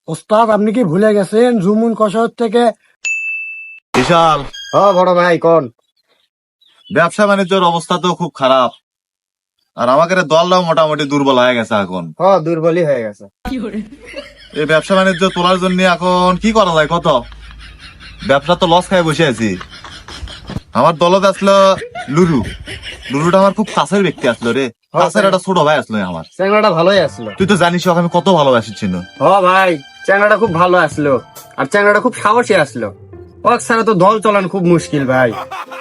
ওস্তাদ আপনি কি ভুলে গেছেন জুমুন কষার থেকে? বিশাল বড় ভাই কোন? ব্যবসা বাণিজ্যের অবস্থা তো খুব খারাপ, আর আমাদের দলটাও মোটামুটি দুর্বল হয়ে গেছে এখন। দুর্বলই হয়ে গেছে। এই ব্যবসা বাণিজ্য তোলার জন্য এখন কি করা যায় কত? ব্যবসা তো লস খায় বসে আছি। আমার দলত আসলো লুরুটা আমার খুব কাছের ব্যক্তি আসলো রে, কাছের একটা ছোট ভাই আসলো আমার। চ্যাংড়াটা ভালোই আসলো। তুই তো জানিস ওকে আমি কত ভালোবাসি ছিল। ভাই চ্যাংড়াটা খুব ভালো আসলো, আর চ্যাংড়াটা খুব সাহসী আসলো। ওক ছাড়া তো দল চলান খুব মুশকিল ভাই।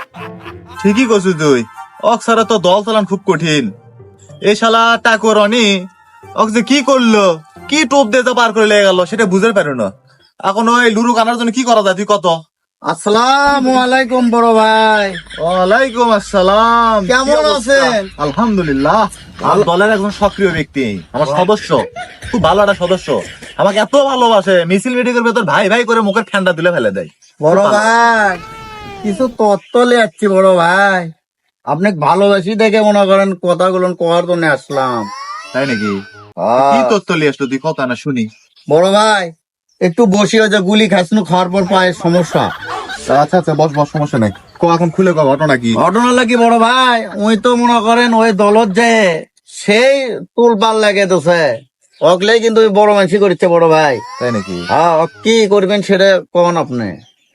ঠিকই করছিস তুই, ওক ছাড়া তো দল চালান খুব কঠিন। এই শালা টাকর অনি ওক যে কি করলো, কি টোপ দিয়ে তো পার করে লেগে গেল সেটা বুঝতে পারো না। এখন ওই লুরু কানার জন্য কি করা যায় তুই কত? আসসালামু আলাইকুম বড় ভাই। ওয়ালাইকুম আসসালাম, কেমন আছেন? আলহামদুলিল্লাহ। আমার দলের একজন সক্রিয় ব্যক্তি, আমার সদস্য, খুব ভালো একটা সদস্য। আমাকে এত ভালোবাসে, মিছিল মিটিংয়ের ভেতর ভাই ভাই করে মুখের ঠান্ডা তুলে ফেলে দেয়। বড় ভাই কিছু তত্ত্ব যাচ্ছি বড় ভাই, আপনি ভালোবাসি দেখে মনে করেন কথাগুলো করার জন্য আসলাম। তাই নাকি? কি তথ্য নিয়ে আসলো তুই, কথা না শুনি। বড় ভাই একটু বসি, ওই যে গুলি খাসনু খাওয়ার পর পায়ের সমস্যা। আচ্ছা আচ্ছা, বস বস, সমস্যা নাই। এখন খুলে কো ঘটনা কি? ঘটনা লাগি বড় ভাই, ওই তো মনে করেন ওই দলত যে সেই তুলপাল লাগে তোছে অগলে কিন্তু ওই বড় মানসি করছে বড় ভাই। তাই নাকি? হ্যাঁ কি করবেন সেটা কোন আপনি?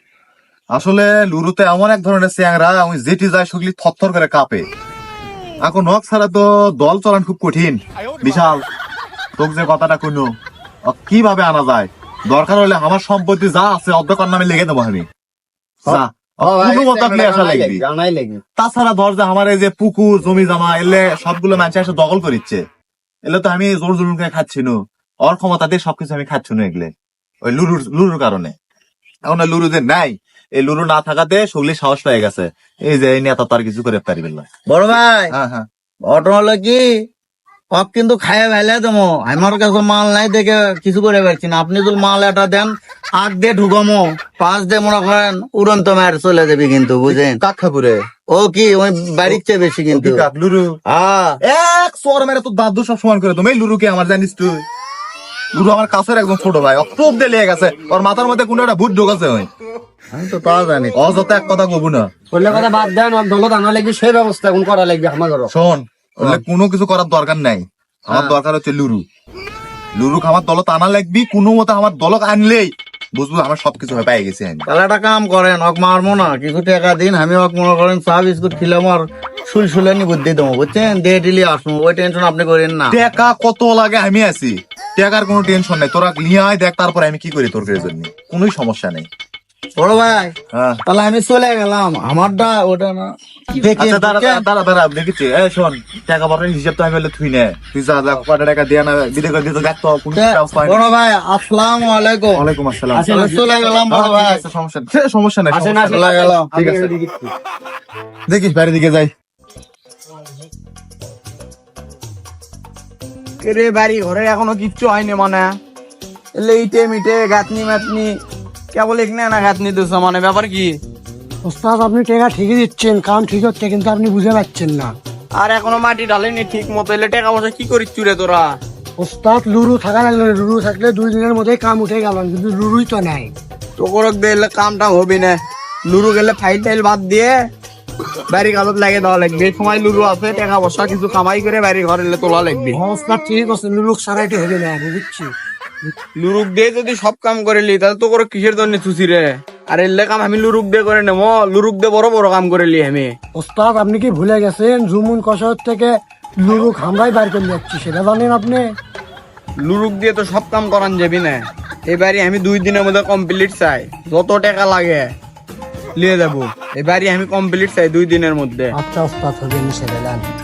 আসলে লুরুতে এমন এক ধরনের চ্যাংরা, আমি যেটি যায় সেগুলি থরথর করে কাঁপে। এখন নখ ছাড়া তো দল চালান খুব কঠিন। বিশাল, তোকে যে কথাটা কইনো কিভাবে আনা যায়, দরকার হলে আমার সম্পত্তি যা আছে অর্ধেক নামে লিখে দেবো আমি। যা, কোনো মতো আপনি আসা লাগবি। তাছাড়া ধর যে আমার এই যে পুকুর জমি জমা এলে সবগুলো মানুষ এসে দখল করিচ্ছে, এলে তো আমি জোর জুলুম করে খাচ্ছি না, ওর ক্ষমতা দিয়ে সবকিছু আমি খাচ্ছি না এগুলো, ওই লুরুর কারণে। এখন ওই লুরু যে নাই, এই লুরু না থাকাতে সগলি সাহস পেয়ে গেছে, এই যে এই নেতা তো আর কিছু করে পারিবেন না। বড় ভাই হ্যাঁ হ্যাঁ, ঘটনা হলো কি, অপ কিন্তু খাইয়া ভাইলে দেবো, আমার কাছে মাল নাই দেখে কিছু করে পারছি না। আপনি যদি মাল এটা দেন আগ দিয়ে ঢুকামো, পাঁচ দিয়ে মনে করেন উড়ন্ত মায়ের চলে যাবে কিন্তু বুঝেন। কাক্ষাপুরে ও কি ওই বাড়ির চেয়ে বেশি কিন্তু। লুরু হ্যাঁ এক সোর মেরে তো দাদু সব সমান করে তুমি। এই লুরুকে আমার জানিস তুই, লুরু আমার কাছের একদম ছোট ভাই, টোপ দিয়ে লেগে গেছে, ওর মাথার মধ্যে কোনো একটা ভূত ঢোকাছে। ওই আমি তো তা জানি। অযথা এক কথা কবু না, বললে কথা বাদ দেন, দলত আনা লাগবে সেই ব্যবস্থা এখন করা লাগবে আমার। শোন বললে কোনো কিছু করার দরকার নাই, আমার দরকার হচ্ছে লুরু আমার দলত আনা লাগবি। কোনো মতো আমার দলক আনলেই বুঝবো আমার সবকিছু হয়ে পেয়ে গেছে আমি। তাহলে একটা কাম করেন, অক মারবো না, কিছু টাকা দিন, আমি অক মনে করেন চা বিস্কুট খেলাম আর সুলসুলানি বুদ্ধি দেবো বুঝছেন, দিয়ে দিলি আসবো, ওই টেনশন আপনি করেন না। টাকা কত লাগে আমি আছি, টাকার কোনো টেনশন নাই, তোরা নিয়ে আয় দেখ, তারপরে আমি কি করি তোর জন্য, কোনোই সমস্যা নেই। বড় ভাই হ্যাঁ তাহলে আমি চলে গেলাম, আমারটা ওটা না দেখি। আচ্ছা, দাঁড়া দেখেছি। শোন, টাকা পয়সার হিসাব তো আমি বলে থুই না, তুই যা যা কটা টাকা দিয়ে না বিদে করে দিতে দেখতো কোনো ব্যবস্থা হয় না। বড় ভাই আসসালামু আলাইকুম। ওয়ালাইকুম আসসালাম। আমি চলে গেলাম বড় ভাই। আচ্ছা, সমস্যা নেই, সমস্যা নেই, আসেন, সমস্যা নেই। চলে গেলাম। ঠিক আছে, দেখিস বাইরের দিকে যাই। রে বাড়ি ঘরে এখনো কিচ্ছু হয়নি মানে, এলে ইটে মিটে গাঁথনি মাতনি কেবল এখানে না গাঁথনি দিস মানে, ব্যাপার কি? ওস্তাদ আপনি টাকা ঠিকই দিচ্ছেন, কাম ঠিক হচ্ছে, কিন্তু আপনি বুঝে পাচ্ছেন না। আর এখনো মাটি ঢালেনি ঠিক মতো, এলে টাকা পয়সা কি করিস চুরে তোরা? ওস্তাদ লুরু থাকা লাগলো, লুরু থাকলে 2 দিনের মধ্যে কাম উঠে গেল, কিন্তু লুরুই তো নাই। তোর দিলে কামটা হবে না, লুরু গেলে ফাইল টাইল বাদ দিয়ে বাড়ি কাগজ লাগে দেওয়া লাগবে। এই সময় লুরু আছে, টাকা পয়সা কিছু কামাই করে বাড়ি ঘরে তোলা লাগবে। ওস্তাদ ঠিক আছে, লুরু সারাইতে হবে না, বুঝছি। লুরুক দিয়ে যদি সব কাম করে লি, তাহলে তো করে কিসের জন্য চুচি রে? আর এলে কাম আমি লুরুক দিয়ে করে নেবো, লুরুক দিয়ে বড় বড় কাম করে লি আমি। ওস্তাদ আপনি কি ভুলে গেছেন জুমুন কষার থেকে লুরু খামরাই বার করে যাচ্ছি, সেটা জানেন আপনি? লুরুক দিয়ে তো সব কাম করান যাবি না, এবারে আমি 2 দিনের মধ্যে কমপ্লিট চাই, যত টাকা লাগে নিয়ে যাবো। এবারে আমি কমপ্লিট চাই 2 দিনের মধ্যে। আচ্ছা ওস্তাদ হবে, সেটা জানি।